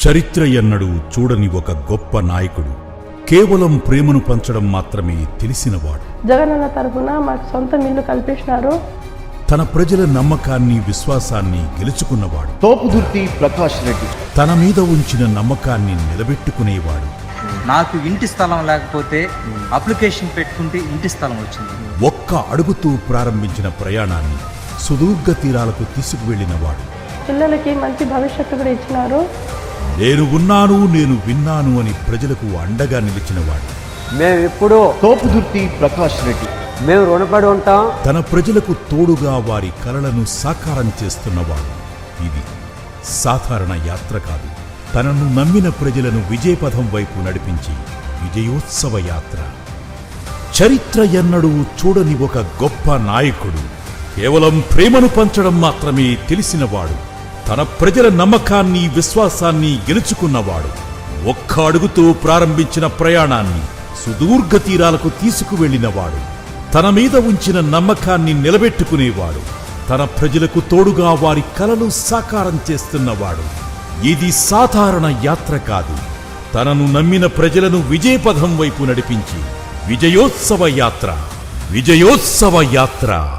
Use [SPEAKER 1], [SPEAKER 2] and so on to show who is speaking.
[SPEAKER 1] చరిత్ర ఎన్నడూ చూడని ఒక గొప్ప నాయకుడు, కేవలం ప్రేమను పంచడం మాత్రమే తెలిసినవాడు.
[SPEAKER 2] జగనన్న తరఫున మాకు సొంత ఇల్లు కల్పించినారు.
[SPEAKER 1] తన ప్రజల నమ్మకాన్ని, విశ్వాసాన్ని గెలుచుకున్నవాడు.
[SPEAKER 3] తోపుదుర్తి ప్రకాష్ రెడ్డి
[SPEAKER 1] తన మీద ఉంచిన నమ్మకాన్ని నిలబెట్టుకునేవాడు.
[SPEAKER 4] నాకు ఇంటి స్థలం లేకపోతే అప్లికేషన్ పెట్టుకుంటే ఇంటి స్థలం వచ్చింది.
[SPEAKER 1] ఒక్క అడుగుతూ ప్రారంభించిన ప్రయాణాన్ని సుదూర్ఘ తీరాలకు తీసుకువెళ్లినవాడు.
[SPEAKER 2] పిల్లలకి మంచి భవిష్యత్తు కూడా ఇచ్చినారు.
[SPEAKER 1] నేను ఉన్నాను, నేను విన్నాను అని ప్రజలకు అండగా నిలిచినవాడు.
[SPEAKER 5] మేమెప్పుడు
[SPEAKER 3] తోపుదుర్తి ప్రకాష్ రెడ్డి
[SPEAKER 5] మేము రుణపడి ఉంటాం.
[SPEAKER 1] తన ప్రజలకు తోడుగా వారి కలలను సాకారం చేస్తున్నవాడు. ఇది సాధారణ యాత్ర కాదు. తనను నమ్మిన ప్రజలను విజయపథం వైపు నడిపించి విజయోత్సవ యాత్ర. చరిత్ర ఎన్నడూ చూడని ఒక గొప్ప నాయకుడు, కేవలం ప్రేమను పంచడం మాత్రమే తెలిసినవాడు. తన ప్రజల నమ్మకాన్ని, విశ్వాసాన్ని గెలుచుకున్నవాడు. ఒక్క అడుగుతో ప్రారంభించిన ప్రయాణాన్ని సుదూర్ఘ తీరాలకు తీసుకువెళ్లినవాడు. తన మీద ఉంచిన నమ్మకాన్ని నిలబెట్టుకునేవాడు. తన ప్రజలకు తోడుగా వారి కలలు సాకారం చేస్తున్నవాడు. ఇది సాధారణ యాత్ర కాదు. తనను నమ్మిన ప్రజలను విజయపథం వైపు నడిపించి విజయోత్సవ యాత్ర. విజయోత్సవ యాత్ర.